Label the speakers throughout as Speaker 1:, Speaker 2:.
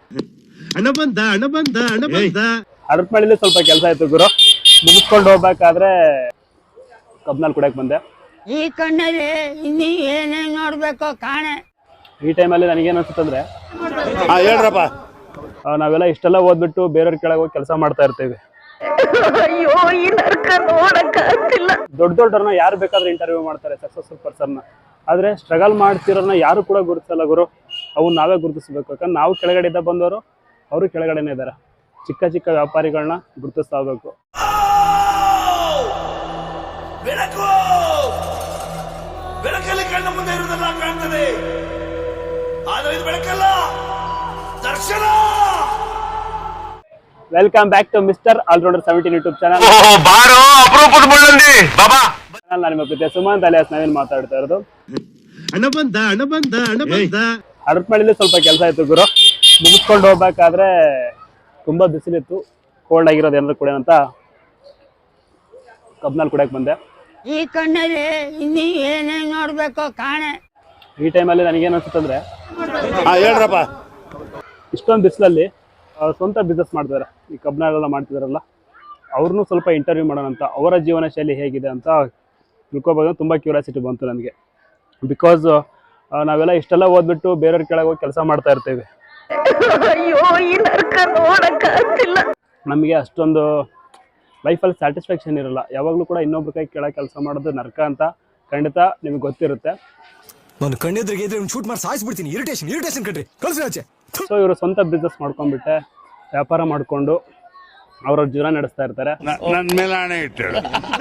Speaker 1: ಹರಪನಹಳ್ಳಿಲಿ ಸ್ವಲ್ಪ ಕೆಲಸ ಆಯ್ತು ಗುರು, ಮುಗಿಸ್ಕೊಂಡು ಹೋಗ್ಬೇಕಾದ್ರೆ ಕಬ್ನಲ್ಲಿ ಕುಡಿಯಕ್ ಬಂದೆ.
Speaker 2: ಈ ಕಣ್ಣಲ್ಲಿ ಇನ್ನೀ ಏನೇನ್ ನೋಡ್ಬೇಕೋ ಕಾಣೆ.
Speaker 1: ಈ ಟೈಮಲ್ಲಿ ನನಗೇನು ಅನ್ಸುತ್ತಂದ್ರೆ,
Speaker 3: ಹೇಳ್ರಪ್ಪ,
Speaker 1: ನಾವೆಲ್ಲ ಇಷ್ಟೆಲ್ಲ ಓದ್ಬಿಟ್ಟು ಬೇರೆಯವ್ರ ಕೆಳಗೆ ಹೋಗಿ ಕೆಲಸ ಮಾಡ್ತಾ ಇರ್ತೀವಿ. ದೊಡ್ಡ ದೊಡ್ಡವ್ರನ್ನ ಯಾರು ಬೇಕಾದ್ರೆ ಇಂಟರ್ವ್ಯೂ ಮಾಡ್ತಾರೆ, ಸಕ್ಸಸ್ಫುಲ್ ಪರ್ಸನ್ನ. ಆದ್ರೆ ಸ್ಟ್ರಗಲ್ ಮಾಡ್ತಿರೋರ್ನ ಯಾರು ಕೂಡ ಗುರುತಿಸಲ್ಲ ಗುರು. ಅವು ನಾವೇ ಗುರುತಿಸ್ಬೇಕು. ಯಾಕಂದ್ರೆ ನಾವು ಕೆಳಗಡೆಯಿಂದ ಬಂದವರು, ಅವರು ಕೆಳಗಡೆನೇ ಇದ್ದಾರೆ. ಚಿಕ್ಕ ಚಿಕ್ಕ ವ್ಯಾಪಾರಿಗಳನ್ನ ಗುರುತಿಸ್ತಾ ಹೋಗ್ಬೇಕು.
Speaker 4: ಬೆಳಕಲ್ಲಿ ಕಣ್ಣ ಮುಂದೆ ಇರುವುದೆಲ್ಲ ಕಾಣ್ತದೆ, ಆದರೆ ಇದು ಬೆಳಕಲ್ಲ, ದರ್ಶನ.
Speaker 1: Welcome back to mister allrounder 17 YouTube channel. ನಾನು ನಿಮ್ಮ ಪ್ರೀತಿಯ ಸುಮಂತ್ ಅಲಿಯಾಸ್ ನಾವೇನ್ ಮಾತಾಡ್ತಾ ಇರೋದು. ಹರಪನಹಳ್ಳಿಲಿ ಸ್ವಲ್ಪ ಕೆಲಸ ಆಯ್ತು ಗುರು, ಮುಗಿಸ್ಕೊಂಡು ಹೋಗ್ಬೇಕಾದ್ರೆ ತುಂಬಾ ಬಿಸಿಲಿತ್ತು. ಕೋಲ್ಡ್ ಆಗಿರೋದು ಏನಾದ್ರು ಕುಡಿಯೋಣ ಅಂತ ಕಬ್ನಲ್ಲಿ ಕುಡಿಯಕ್ ಬಂದೆ.
Speaker 2: ಈ ಕಣ್ಣಲ್ಲಿ ಇನ್ನೀ ಏನೇನ್ ನೋಡ್ಬೇಕೋ ಕಾಣೆ.
Speaker 1: ಈ ಟೈಮಲ್ಲಿ ನನಗೇನು ಅನ್ಸುತ್ತಂದ್ರೆ,
Speaker 3: ಹೇಳ್ರಪ್ಪ,
Speaker 1: ಇಷ್ಟೊಂದು ಬಿಸಿಲಲ್ಲಿ ಸ್ವಂತ ಬಿಸ್ನೆಸ್ ಮಾಡ್ತಾರೆ, ಈ ಕಬ್ನಾಳೆಲ್ಲ ಮಾಡ್ತಿದಾರಲ್ಲ, ಅವ್ರನ್ನೂ ಸ್ವಲ್ಪ ಇಂಟರ್ವ್ಯೂ ಮಾಡೋಣ ಅಂತ. ಅವರ ಜೀವನ ಶೈಲಿ ಹೇಗಿದೆ ಅಂತ ತಿಳ್ಕೊಬೋದು. ತುಂಬ ಕ್ಯೂರಿಯಾಸಿಟಿ ಬಂತು ನನಗೆ. ಬಿಕಾಸ್ ನಾವೆಲ್ಲ ಇಷ್ಟೆಲ್ಲ ಓದ್ಬಿಟ್ಟು ಬೇರೆಯವ್ರ ಕೆಳಗೆ ಹೋಗಿ ಕೆಲಸ ಮಾಡ್ತಾ ಇರ್ತೀವಿ. ನಮಗೆ ಅಷ್ಟೊಂದು ಲೈಫಲ್ಲಿ ಸ್ಯಾಟಿಸ್ಫ್ಯಾಕ್ಷನ್ ಇರಲ್ಲ. ಯಾವಾಗಲೂ ಕೂಡ ಇನ್ನೊಬ್ರ ಕೈ ಕೆಳಗೆ ಕೆಲಸ ಮಾಡೋದು ನರ್ಕ ಅಂತ ಖಂಡಿತ ನಿಮ್ಗೆ ಗೊತ್ತಿರುತ್ತೆ.
Speaker 5: ನಾನು ಕಣ್ಣೆದ್ರಿಗೆ ಶೂಟ್ ಮಾಡಿ ಸಾಯಿಸ್ಬಿಡ್ತೀನಿ. ಇರಿಟೇಷನ್ ಕಣ್ರಿ, ಕಳ್ಸಿ ಆಚೆ.
Speaker 1: ಸೊ ಇವರು ಸ್ವಂತ ಬಿಸ್ನೆಸ್ ಮಾಡ್ಕೊಂಡ್ಬಿಟ್ಟೆ ವ್ಯಾಪಾರ ಮಾಡಿಕೊಂಡು ಅವ್ರವ್ರ ಜೀವನ ನಡೆಸ್ತಾ ಇರ್ತಾರೆ.
Speaker 3: ನನ್ನ ಮೇಲೆ ಆಣೆ ಇಟ್ಟು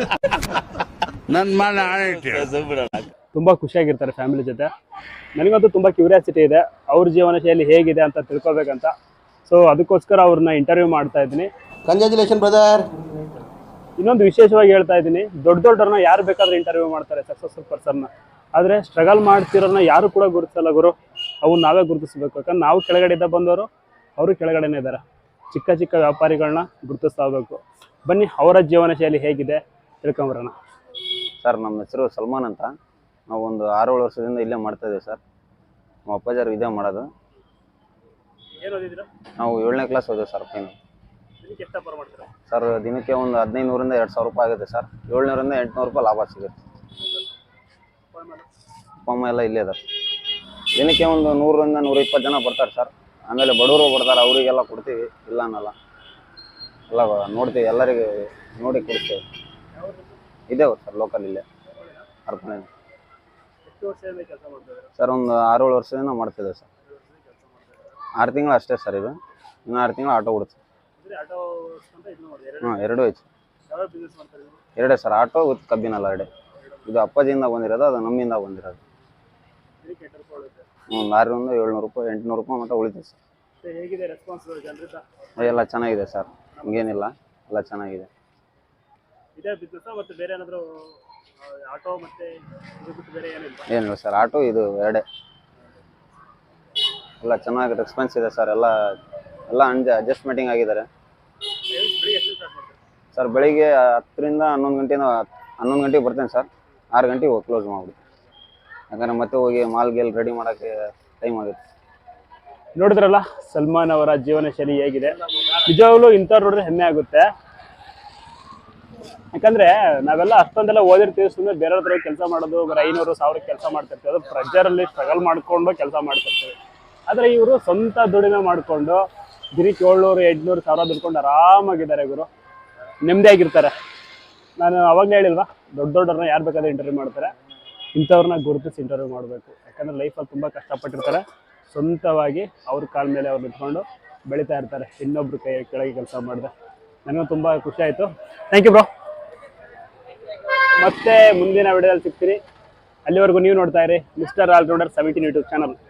Speaker 1: ತುಂಬ ಖುಷಿಯಾಗಿರ್ತಾರೆ ಫ್ಯಾಮಿಲಿ ಜೊತೆ. ನನಗಂತೂ ತುಂಬ ಕ್ಯೂರಿಯಾಸಿಟಿ ಇದೆ ಅವ್ರ ಜೀವನ ಶೈಲಿ ಹೇಗಿದೆ ಅಂತ ತಿಳ್ಕೊಬೇಕಂತ. ಸೊ ಅದಕ್ಕೋಸ್ಕರ ಅವ್ರನ್ನ ಇಂಟರ್ವ್ಯೂ ಮಾಡ್ತಾ ಇದ್ದೀನಿ.
Speaker 6: Congratulation brother.
Speaker 1: ಇನ್ನೊಂದು ವಿಶೇಷವಾಗಿ ಹೇಳ್ತಾ ಇದ್ದೀನಿ, ದೊಡ್ಡ ದೊಡ್ಡವ್ರನ್ನ ಯಾರು ಬೇಕಾದ್ರೆ ಇಂಟರ್ವ್ಯೂ ಮಾಡ್ತಾರೆ, ಸಕ್ಸಸ್ಫುಲ್ ಪರ್ಸನ್ನ. ಆದರೆ ಸ್ಟ್ರಗಲ್ ಮಾಡ್ತಿರೋರ್ನ ಯಾರು ಕೂಡ ಗುರುತಿಸಲ್ಲ ಗುರು. ಅವು ನಾವೇ ಗುರುತಿಸ್ಬೇಕು. ಯಾಕಂದ್ರೆ ನಾವು ಕೆಳಗಡೆಯಿಂದ ಬಂದವರು, ಅವರು ಕೆಳಗಡೆನೇ ಇದ್ದಾರೆ. ಚಿಕ್ಕ ಚಿಕ್ಕ ವ್ಯಾಪಾರಿಗಳನ್ನ ಗುರುತಿಸ್ತಾ ಹೋಗ್ಬೇಕು. ಬನ್ನಿ ಅವರ ಜೀವನ ಶೈಲಿ ಹೇಗಿದೆ ತಿಳ್ಕೊಂಬರೋಣ.
Speaker 6: ಸರ್, ನಮ್ಮ ಹೆಸರು ಸಲ್ಮಾನ್ ಅಂತ. ನಾವು ಒಂದು 6-7 ವರ್ಷದಿಂದ ಇಲ್ಲೇ ಮಾಡ್ತಾ ಇದ್ದೀವಿ ಸರ್. ನಮ್ಮ ಅಪ್ಪಾಜಾರು ಇದೇ ಮಾಡೋದು. ನಾವು 7ನೇ ಕ್ಲಾಸ್ ಓದಿದ್ವಿ ಸರ್. ಫೈನಲ್ ಸರ್, ದಿನಕ್ಕೆ ಒಂದು 1500ರಿಂದ 2000 ರೂಪಾಯಿ ಆಗುತ್ತೆ ಸರ್. 700ರಿಂದ 800 ರೂಪಾಯಿ ಲಾಭ ಸಿಗುತ್ತೆ. ಅಪ್ಪ ಅಮ್ಮ ಎಲ್ಲ ಇಲ್ಲೇ ಇದ್ದಾರೆ. ದಿನಕ್ಕೆ ಒಂದು 100ರಿಂದ 120 ಜನ ಬರ್ತಾರೆ ಸರ್. ಆಮೇಲೆ ಬಡವರು ಬರ್ತಾರೆ, ಅವರಿಗೆಲ್ಲ ಕೊಡ್ತೀವಿ, ಇಲ್ಲ ಅನ್ನಲ್ಲ, ಎಲ್ಲ ನೋಡ್ತೀವಿ, ಎಲ್ಲರಿಗೆ ನೋಡಿ ಕೊಡ್ತೀವಿ. ಇದೇವು ಸರ್, ಲೋಕಲ್ ಇಲ್ಲೇ ಹರಪನಹಳ್ಳಿ ಸರ್. ಒಂದು 6-7 ವರ್ಷದಿಂದ ಮಾಡ್ತಿದ್ದೇವೆ ಸರ್. 6 ತಿಂಗಳು ಅಷ್ಟೇ ಸರ್. ಇದು ಇನ್ನು 6 ತಿಂಗಳು ಆಟೋ ಬಿಡುತ್ತೆ. ಹಾಂ, 2 ಐತೆ. 2 ಸರ್, ಆಟೋ ವಿತ್ ಕಬ್ಬಿನಲ್ಲ 2. ಇದು ಅಪ್ಪಾಜಿಯಿಂದ ಬಂದಿರೋದು, ಅದು ನಮ್ಮಿಂದ ಬಂದಿರೋದು. ಒಂದು 600ರಿಂದ 700 ರೂಪಾಯಿ 800 ರೂಪಾಯಿ ಮಟ್ಟ ಉಳಿತೀವಿ ಸರ್. ಎಲ್ಲ ಚೆನ್ನಾಗಿದೆ ಸರ್, ಹಂಗೇನಿಲ್ಲ, ಎಲ್ಲ ಚೆನ್ನಾಗಿದೆ. ಏನಿಲ್ಲ ಸರ್, ಆಟೋ ಇದು 2 ಎಲ್ಲ ಚೆನ್ನಾಗಿ ರೆಸ್ಪಾನ್ಸ್ ಇದೆ ಸರ್. ಎಲ್ಲ ಅಡ್ಜಸ್ಟ್ಮೆಂಟಿಂಗ್ ಆಗಿದ್ದಾರೆ ಸರ್. ಬೆಳಿಗ್ಗೆ 10ರಿಂದ 11 ಗಂಟೆಗೆ ಬರ್ತೇನೆ ಸರ್. 6 ಗಂಟೆಗೆ ಹೋಗಿ ಕ್ಲೋಸ್ ಮಾಡ್ಬಿಡ್ತೀನಿ. ಯಾಕಂದರೆ ಮತ್ತೆ ಹೋಗಿ ಮಾಲ್ಗೆಲ್ ರೆಡಿ ಮಾಡೋಕ್ಕೆ ಟೈಮ್ ಆಗುತ್ತೆ.
Speaker 1: ನೋಡಿದ್ರಲ್ಲ ಸಲ್ಮಾನ್ ಅವರ ಜೀವನ ಶೈಲಿ ಹೇಗಿದೆ. ನಿಜವಾಗ್ಲೂ ಇಂಥವ್ರು ನೋಡಿದ್ರೆ ಹೆಮ್ಮೆ ಆಗುತ್ತೆ. ಯಾಕಂದ್ರೆ ನಾವೆಲ್ಲ ಅಷ್ಟೊಂದೆಲ್ಲ ಓದಿರ್ತೀವಿ, ಸುಮ್ಮನೆ ಬೇರೆಯವ್ರ ಕೆಲಸ ಮಾಡೋದು, ಬರೀ 500-1000 ಕೆಲಸ ಮಾಡ್ತಿರ್ತೀವಿ. ಅದು ಪ್ರೆಷರಲ್ಲಿ ಸ್ಟ್ರಗಲ್ ಮಾಡ್ಕೊಂಡು ಕೆಲಸ ಮಾಡ್ತಿರ್ತೀವಿ. ಆದರೆ ಇವರು ಸ್ವಂತ ದುಡಿಮೆ ಮಾಡಿಕೊಂಡು ದಿನಕ್ಕೆ 700-800-1000 ದುಡ್ಕೊಂಡು ಆರಾಮಾಗಿದ್ದಾರೆ ಗುರು, ನೆಮ್ಮದಿಯಾಗಿರ್ತಾರೆ. ನಾನು ಅವಾಗಲೇ ಹೇಳಿಲ್ವಾ, ದೊಡ್ಡವ್ರನ್ನ ಯಾರು ಬೇಕಾದ್ರೆ ಇಂಟರ್ವ್ಯೂ ಮಾಡ್ತಾರೆ. ಇಂಥವ್ರನ್ನ ಗುರುತಿಸಿ ಇಂಟರ್ವ್ಯೂ ಮಾಡಬೇಕು. ಯಾಕಂದರೆ ಲೈಫಲ್ಲಿ ತುಂಬ ಕಷ್ಟಪಟ್ಟಿರ್ತಾರೆ. ಸ್ವಂತವಾಗಿ ಅವ್ರ ಕಾಲ ಮೇಲೆ ಅವ್ರು ನಿಂತ್ಕೊಂಡು ಬೆಳೀತಾ ಇರ್ತಾರೆ, ಇನ್ನೊಬ್ರು ಕೈ ಕೆಳಗೆ ಕೆಲಸ ಮಾಡಿದೆ. ನನಗೂ ತುಂಬ ಖುಷಿ ಆಯಿತು. Thank you bro. ಮತ್ತೆ ಮುಂದಿನ ವಿಡಿಯೋದಲ್ಲಿ ಸಿಗ್ತೀನಿ. ಅಲ್ಲಿವರೆಗೂ ನೀವು ನೋಡ್ತಾ ಇರಿ ಮಿಸ್ಟರ್ ಆಲ್ರೌಂಡರ್ 17 ಯೂಟ್ಯೂಬ್ ಚಾನಲ್.